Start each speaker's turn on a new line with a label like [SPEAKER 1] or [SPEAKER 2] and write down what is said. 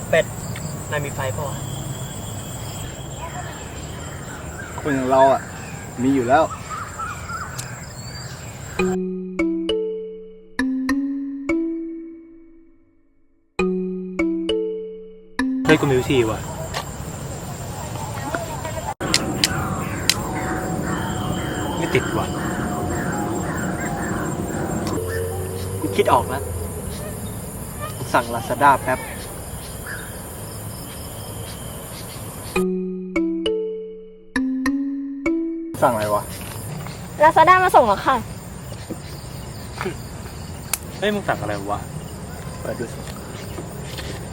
[SPEAKER 1] เป็ดนายมีไฟป่ะ
[SPEAKER 2] คนอย่างเราอ่ะมีอยู่แล้ว
[SPEAKER 1] เฮ้ยกูมีวิธีว่ะไม่ติดว่ะกูคิดออกแล้วสั่งลาซาด้าแป๊บ
[SPEAKER 2] สั่งอะไรวะ
[SPEAKER 3] ลาซาด้ามาส่งแล้วค่ะ
[SPEAKER 1] เฮ้ยมึงสั่งอะไรวะ
[SPEAKER 2] เปิดดูสิ